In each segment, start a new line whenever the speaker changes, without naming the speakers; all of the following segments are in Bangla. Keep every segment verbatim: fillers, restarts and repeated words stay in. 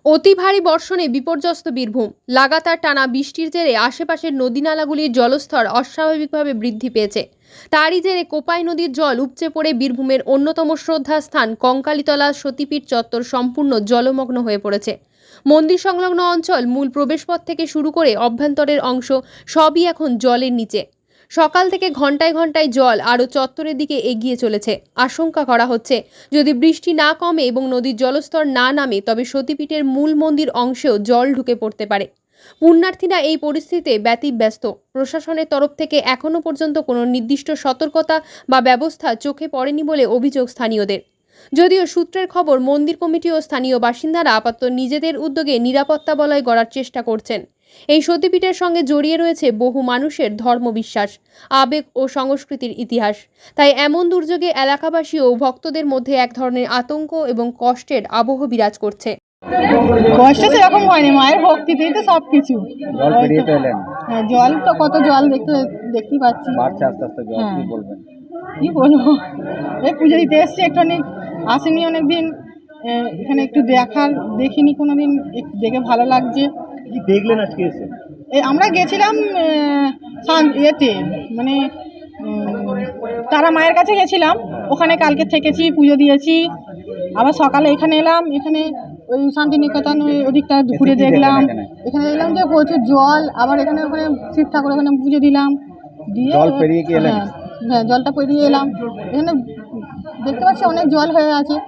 অতি ভারী বর্ষণে বিপর্যস্ত বীরভূম। লাগাতার টানা বৃষ্টির জেরে আশেপাশের নদী-নালাগুলির জলস্তর অস্বাভাবিকভাবে বৃদ্ধি পেয়েছে। তারই জেরে কোপাই নদীর জল উপচে পড়ে বীরভূমের অন্যতম শ্রদ্ধাস্থান কঙ্কালীতলা সতীপীঠ চত্বর সম্পূর্ণ জলমগ্ন হয়ে পড়েছে। মন্দির সংলগ্ন অঞ্চল, মূল প্রবেশপথ থেকে শুরু করে অভ্যন্তরের অংশ সবই এখন জলের নিচে। সকাল থেকে ঘন্টায় ঘন্টায় জল আরও চত্বরের দিকে এগিয়ে চলেছে। আশঙ্কা করা হচ্ছে, যদি বৃষ্টি না কমে এবং নদীর জলস্তর না নামে, তবে সতীপীঠের মূল মন্দির অংশেও জল ঢুকে পড়তে পারে। পুণ্যার্থীরা এই পরিস্থিতিতে ব্যতিব্যস্ত। প্রশাসনের তরফ থেকে এখনও পর্যন্ত কোনো নির্দিষ্ট সতর্কতা বা ব্যবস্থা চোখে পড়েনি বলে অভিযোগ স্থানীয়দের। যদিও সূত্রের খবর, মন্দির কমিটি ও স্থানীয় বাসিন্দারা আপাতত নিজেদের উদ্যোগে নিরাপত্তা বলয় গড়ার চেষ্টা করছেন। এই সতীপীঠের সঙ্গে জড়িয়ে রয়েছে বহু মানুষের ধর্মবিশ্বাস, আবেগ ও সংস্কৃতির ইতিহাস। তাই এমন দুর্যোগে এলাকাবাসী ও ভক্তদের মধ্যে এক ধরনের আতঙ্ক এবং কষ্টের আবহ বিরাজ করছে।
কষ্ট সেরকম হয়নি, মায়ের ভক্তিতেই তো সব কিছু।
জল পেরিয়ে তো এলেন।
হ্যাঁ, জল তো কত জল দেখতে দেখতেই পাচ্ছি।
বাড়ছে আস্তে আস্তে জল,
হ্যাঁ।
কি বলবেন?
কি বলবো, এই পুজো দিতে এসছি, একটুখানি আসিনি অনেকদিন, এখানে একটু দেখার দেখিনি কোনোদিন, একটু দেখে ভালো লাগছে।
কি দেখলেন আজকে এসে?
এই আমরা গেছিলাম আহ, শান- ইয়েতে মানে উম, তারা মায়ের কাছে গেছিলাম, ওখানে কালকে থেকেছি, পুজো দিয়েছি। আবার সকালে এখানে এলাম, এখানে ওই শান্তিনিকেতন ওই ওদিকটা ঘুরে
এসে কি
দেখলাম।
দেখলেন এখানে?
এখানে দেখলাম যে প্রচুর জল, আবার এখানে ওখানে শিব ঠাকুর ওখানে পুজো দিলাম, দিয়ে
জল পেরিয়ে কি এলেন?
হ্যাঁ, হ্যাঁ, জলটা পেরিয়ে এলাম। এখানে দেখতে পাচ্ছি অনেক জল হয়ে আছে,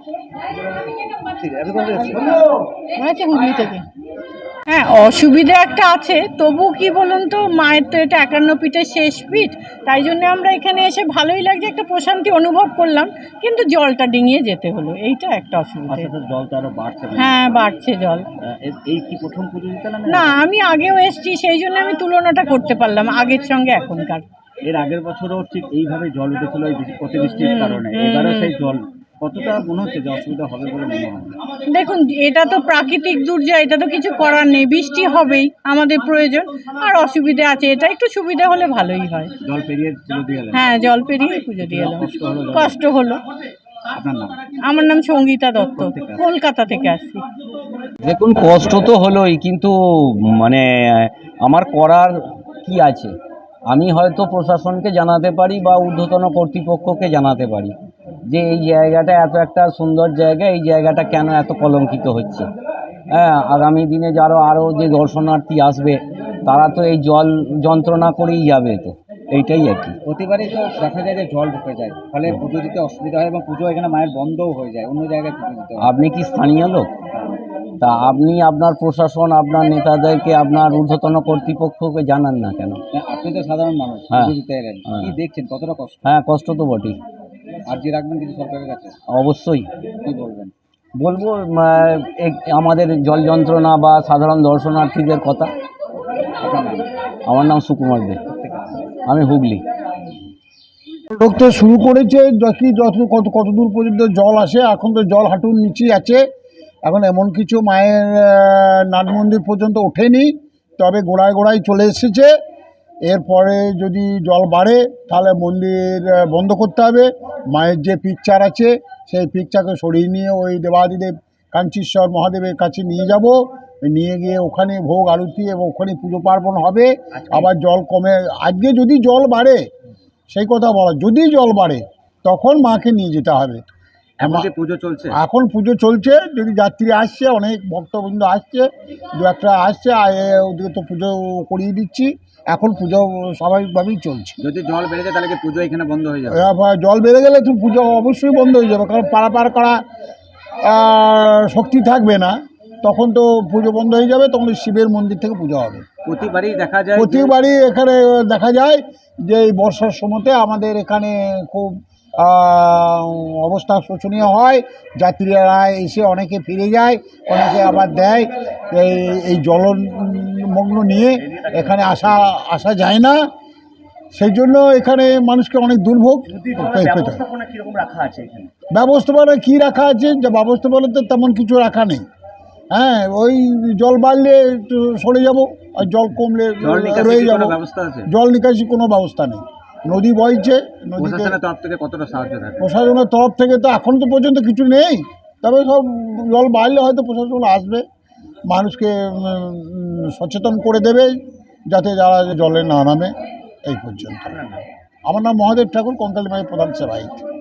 ঠিক আছে, কোথায় এসেছেন?
মনে হচ্ছে হুগলি থেকে।
হ্যাঁ, অসুবিধা একটা আছে, তবু কি বলুন তো, মায়ের তো এটা একান্ন পীঠের শেষ পীঠ, তাই জন্য আমরা এখানে এসে ভালোই লাগছে, একটা প্রশান্তি অনুভব করলাম। কিন্তু জলটা ডিঙিয়ে যেতে হলো, এইটা একটা অসুবিধা।
আস্তে আস্তে জল তো আরো বাড়ছে না?
হ্যাঁ, বাড়ছে জল।
আহ, এ- এই কি প্রথম পুজো দিতে এলেন?
না, আমি আগেও এসেছি, সেই জন্য আমি তুলনাটা করতে পারলাম আগের সঙ্গে এখনকার।
এর আগের বছরও ঠিক এইভাবে জল উঠেছিল এই বৃষ্টি- অতিবৃষ্টির
হুম,
কারণে।
হুম,
এবারে
হুম।
সেই জল কতটা মনে হচ্ছে যে অসুবিধা হবে বলে মনে হয়?
দেখুন, এটা তো প্রাকৃতিক দুর্যোগ, এটা তো কিছু করার নেই, বৃষ্টি হবেই, আমাদের প্রয়োজন। আর অসুবিধা আছে, এটা একটু সুবিধা হলে ভালোই হয়।
জল পেরিয়ে পুজো দিয়ে এলেন?
হ্যাঁ, জল পেরিয়ে পুজো দিয়ে এলাম।
কষ্ট হলো জল?
কষ্ট হলো।
আপনার নাম?
আমার নাম সঙ্গীতা দত্ত, কলকাতা থেকে আসছি।
দেখুন, কষ্ট তো হলোই, কিন্তু মানে আমার করার কি আছে? আমি হয়তো প্রশাসনকে জানাতে পারি বা ঊর্ধ্বতন কর্তৃপক্ষকে জানাতে পারি যে এই জায়গাটা এত একটা সুন্দর জায়গা, এই জায়গাটা কেন এত কলঙ্কিত হচ্ছে। হ্যাঁ, আগামী দিনে যারা আরও যে দর্শনার্থী আসবে, তারা তো এই জল যন্ত্রণা করেই যাবে, তো এইটাই আর কি।
প্রতিবারই তো দেখা যায় যে জল ঢুকে যায়, ফলে পুজো দিতে অসুবিধা হয় এবং পুজো এখানে মায়ের বন্ধও হয়ে যায়, অন্য জায়গায় পুজো দিতে হয়।
আপনি কি স্থানীয় লোক? তা আপনি আপনার প্রশাসন, আপনার নেতাদেরকে, আপনার ঊর্ধ্বতন কর্তৃপক্ষকে জানান না কেন?
আপনি তো সাধারণ মানুষ,
হ্যাঁ।
পুজো দিতে এলেন,
হ্যাঁ।
কি দেখছেন, কতটা কষ্ট?
হ্যাঁ, কষ্ট তো বটেই,
আর্জি রাখবেন কিছু সরকারের কাছে?
অবশ্যই
কি বলবেন?
বলবো। আহ, এক- আমাদের জল যন্ত্রণা বা সাধারণ দর্শনার্থীদের কথা।
আপনার নাম?
আমার নাম সুকুমার দে, আমি হুগলি।
ঢুকতে শুরু করেছে, দেখি যত কত কত দূর পর্যন্ত জল আসে। এখন তো জল হাঁটুর নিচেই আছে, এখন এমন কিছু মায়ের আহ, নাট মন্দির পর্যন্ত ওঠেনি, তবে গোড়ায় গোড়ায় চলে এসেছে। এরপরে যদি জল বাড়ে তাহলে মন্দির আহ, বন্ধ করতে হবে। মায়ের যে পিকচার আছে সেই পিকচারকে সরিয়ে নিয়ে ওই দেবাদিদেব কাঞ্চীশ্বর মহাদেবের কাছে নিয়ে যাব, নিয়ে গিয়ে ওখানে ভোগ আরতি এবং ওখানে পুজো পার্বণ হবে। আবার জল কমে, আজকে যদি জল বাড়ে, সেই কথা বলা, যদি জল বাড়ে তখন মাকে নিয়ে যেতে হবে।
এখন কি পুজো চলছে?
এখন পুজো চলছে, যদি যাত্রী আসছে, অনেক ভক্তবৃন্দ আসছে, দু একটা আসছে, আর এ- ওদিকে তো পুজো করিয়ে দিচ্ছি। এখন পুজো স্বাভাবিকভাবেই চলছে।
যদি জল বেড়ে যায় তাহলে কি পুজো এখানে বন্ধ হয়ে যাবে?
এবার জল বেড়ে গেলে তো পুজো অবশ্যই বন্ধ হয়ে যাবে, কারণ পারাপার করা আহ, শক্তি থাকবে না, তখন তো পুজো বন্ধ হয়ে যাবে, তখন শিবের মন্দির থেকে পুজো হবে।
প্রতিবারই দেখা যায় যে-
প্রতিবারই এখানে দেখা যায় যে এই বর্ষার সময়তে আমাদের এখানে খুব আহ, অবস্থা শোচনীয় হয়। যাত্রীরা এসে অনেকে ফিরে যায়, অনেকে আবার দেয়। এই এই জলমগ্ন নিয়ে এখানে আসা আসা যায় না, সেই জন্য এখানে মানুষকে অনেক দুর্ভোগ পেতে হয়।
ব্যবস্থাপনা কিরকম রাখা আছে এখানে?
ব্যবস্থাপনা কী রাখা আছে, যে ব্যবস্থাপনা তো তেমন কিছু রাখা নেই। হ্যাঁ, ওই জল বাড়লে একটু সরে যাব, আর জল কমলে
জল নিকাশি
রয়ে
কি
যাব।
কোনো ব্যবস্থা আছে?
জল নিকাশি কোনো ব্যবস্থা নেই, নদী বইছে, নদীতে
প্রশাসনের তরফ থেকে কতটা সাহায্য থাকে?
প্রশাসনের তরফ থেকে তো এখন তো পর্যন্ত কিছু নেই, তবে সব জল বাড়লে হয়তো প্রশাসন আসবে, মানুষকে উম, সচেতন করে দেবে যাতে যারা জলে না নামে। এই পর্যন্ত। আমার নাম মহাদেব ঠাকুর, কঙ্কালী মায়ের প্রধান সেবায়িত।